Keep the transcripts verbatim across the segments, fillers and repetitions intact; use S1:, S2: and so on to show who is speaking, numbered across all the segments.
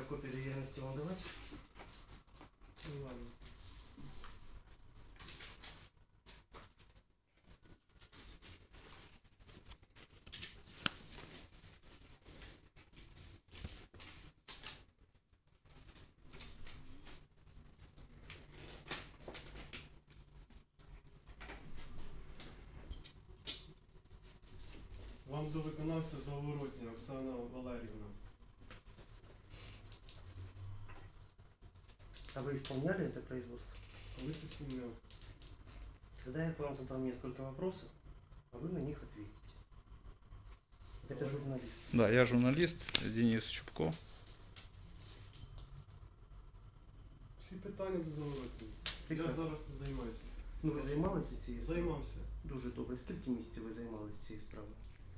S1: копію довіреності вам давати?
S2: Ну ладно. Вам до виконавця Заворотня Оксана Валерівна.
S1: А вы исполняли это производство?
S2: Коли це спільняв?
S1: Тогда я к вам задам несколько вопросов, а вы на них ответите. Это журналист.
S3: Да, я журналіст Денис Чубко.
S2: Всі питання до Заворотні. Я
S1: Прекрасно.
S2: зараз не займаюся.
S1: Ну ви займалися цією справою?
S2: Займався.
S1: Дуже добре. Скільки місяців ви займалися цією справою?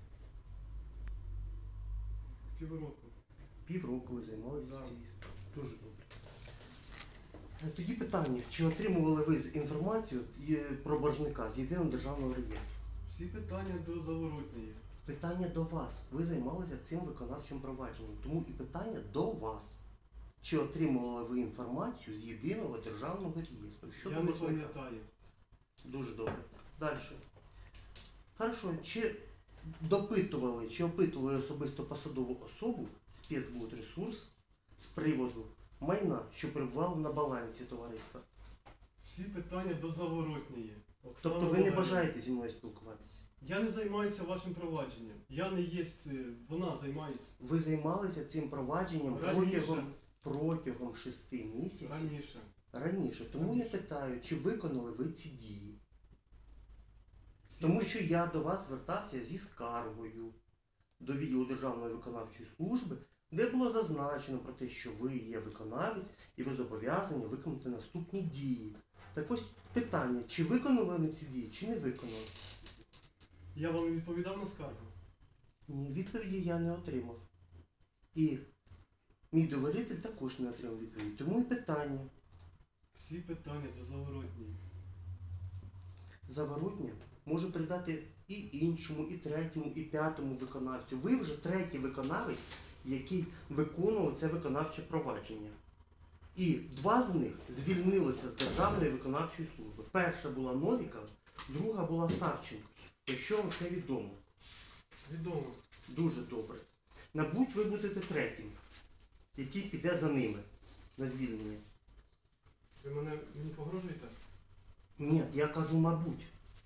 S2: Півроку.
S1: Півроку ви займалися
S2: Да.
S1: цією справою. Дуже добре. Е, Тоді питання, чи отримували ви з інформацію з- є- про боржника з єдиного державного реєстру?
S2: Всі питання до Заворотньої.
S1: Питання до вас. Ви займалися цим виконавчим провадженням. Тому і питання до вас. Чи отримували ви інформацію з єдиного державного реєстру? Щодо
S2: Я не
S1: боржника?
S2: пам'ятаю.
S1: Дуже добре. Далі. Хорошо. Чи допитували, чи опитували особисто посадову особу спецбудресурс з приводу майна, що перебувало на балансі товариства?
S2: Всі питання до Заворотньої. Оксана
S1: Тобто ви не
S2: Валерівна.
S1: бажаєте зі мною спілкуватися?
S2: Я не займаюся вашим провадженням. Я не є, е, вона займається.
S1: Ви займалися цим провадженням
S2: Раніше.
S1: протягом, протягом шести місяців
S2: Раніше.
S1: раніше. Тому я
S2: Раніше.
S1: питаю, чи виконали ви ці дії?
S2: Всі
S1: Тому
S2: пи-
S1: що я до вас звертався зі скаргою до відділу Державної виконавчої служби, де було зазначено про те, що ви є виконавець і ви зобов'язані виконати наступні дії. Так ось питання, чи виконали вони ці дії, чи не виконали?
S2: Я вам відповідав на скаргу.
S1: Ні, відповіді я не отримав. І мій довіритель також не отримав відповіді. Тому і питання.
S2: Всі питання до Заворотньої.
S1: Заворотня можу передати і іншому, і третьому, і п'ятому виконавцю. Ви вже третій виконавець, який виконував це виконавче провадження. І два з них звільнилися з Державної виконавчої служби. Перша була Новікова, друга була Савченко. Якщо вам це відомо.
S2: Відомо.
S1: Дуже добре. Мабуть, ви будете третім, який піде за ними на звільнення.
S2: Ви мене мені погрожуєте?
S1: Ні, я кажу, мабуть.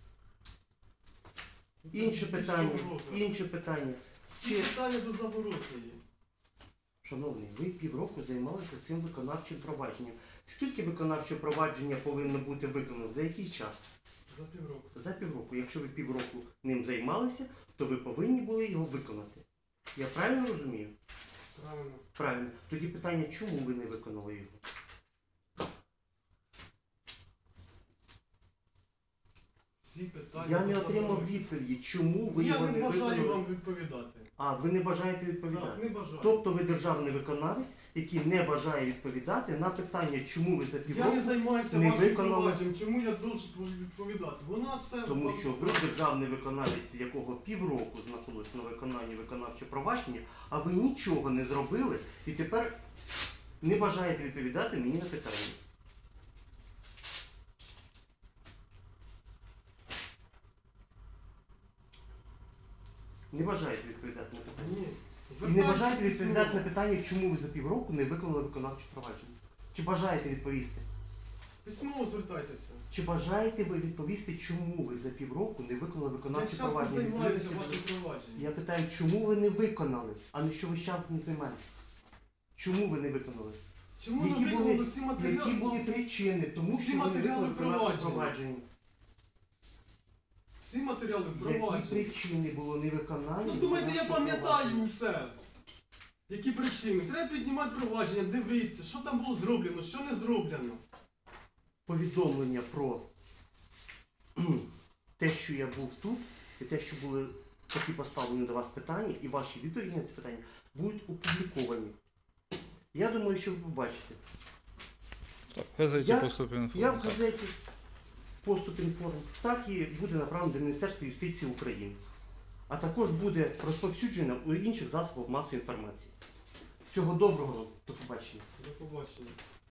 S2: Ну, це
S1: Інше
S2: більше
S1: питання,
S2: погроза.
S1: інше питання.
S2: Всі
S1: Чи,
S2: питання до Заворотньої.
S1: шановний, ви півроку займалися цим виконавчим провадженням. Скільки виконавче провадження повинно бути виконано? За який час?
S2: За півроку.
S1: За півроку. Якщо ви півроку ним займалися, то ви повинні були його виконати. Я правильно розумію?
S2: Правильно.
S1: Правильно. Тоді питання, чому ви не виконали його?
S2: Всі питання
S1: Я
S2: до
S1: не отримав
S2: Заворотньої.
S1: відповіді, чому ви
S2: Я
S1: його
S2: не
S1: не
S2: бажаю
S1: виконали.
S2: вам відповідати.
S1: А, ви не бажаєте відповідати?
S2: Так, не бажаю.
S1: Тобто ви державний виконавець, який не бажає відповідати на питання, чому ви за
S2: Я
S1: півроку,
S2: не займаюся
S1: не
S2: вашим
S1: виконали.
S2: провадженням. Чому я должен відповідати? Вона все...
S1: тому
S2: вам
S1: що ви
S2: скаже.
S1: державний виконавець, в якого півроку знаходилось на виконанні виконавче провадження, а ви нічого не зробили і тепер не бажаєте відповідати мені на питання. Не бажаєте відповідати на питання.
S2: Ні.
S1: І не бажаєте
S2: Звертайтеся
S1: відповідати на
S2: письмово.
S1: питання, чому ви за півроку не виконали виконавче провадження? Чи бажаєте відповісти?
S2: Письмово звертайтеся.
S1: Чи бажаєте ви відповісти, чому ви за півроку не виконали
S2: Я
S1: виконавче
S2: зараз не
S1: провадження?
S2: займаюся
S1: Відповідайте,
S2: вашим провадженням.
S1: Я питаю, чому ви не виконали, а не що ви зараз не займаєтесь? Чому ви не виконали?
S2: Чому ви
S1: Які
S2: виконали
S1: були,
S2: всі матеріали?
S1: які були причини, тому
S2: Всі
S1: що ви не
S2: матеріали
S1: виконали виконавче
S2: провадження.
S1: провадження?
S2: Всі матеріали
S1: Які
S2: провадження.
S1: причини було невиконання?
S2: Ну думаєте, я
S1: виконавчого
S2: пам'ятаю
S1: провадження?
S2: все. Які причини? Треба піднімати провадження, дивитися, що там було зроблено, що не зроблено.
S1: Повідомлення про кхм, те, що я був тут, і те, що були такі поставлені до вас питання, і ваші відповіді на ці питання будуть опубліковані. Я думаю, що ви побачите.
S3: Так, в газеті
S1: Я-
S3: поступив
S1: Я в
S3: інформація.
S1: газеті «Поступ інформ», так і буде направлено до Міністерства юстиції України. А також буде розповсюджено у інших засобах масової інформації. Всього доброго, до побачення. побачення.
S2: До побачення.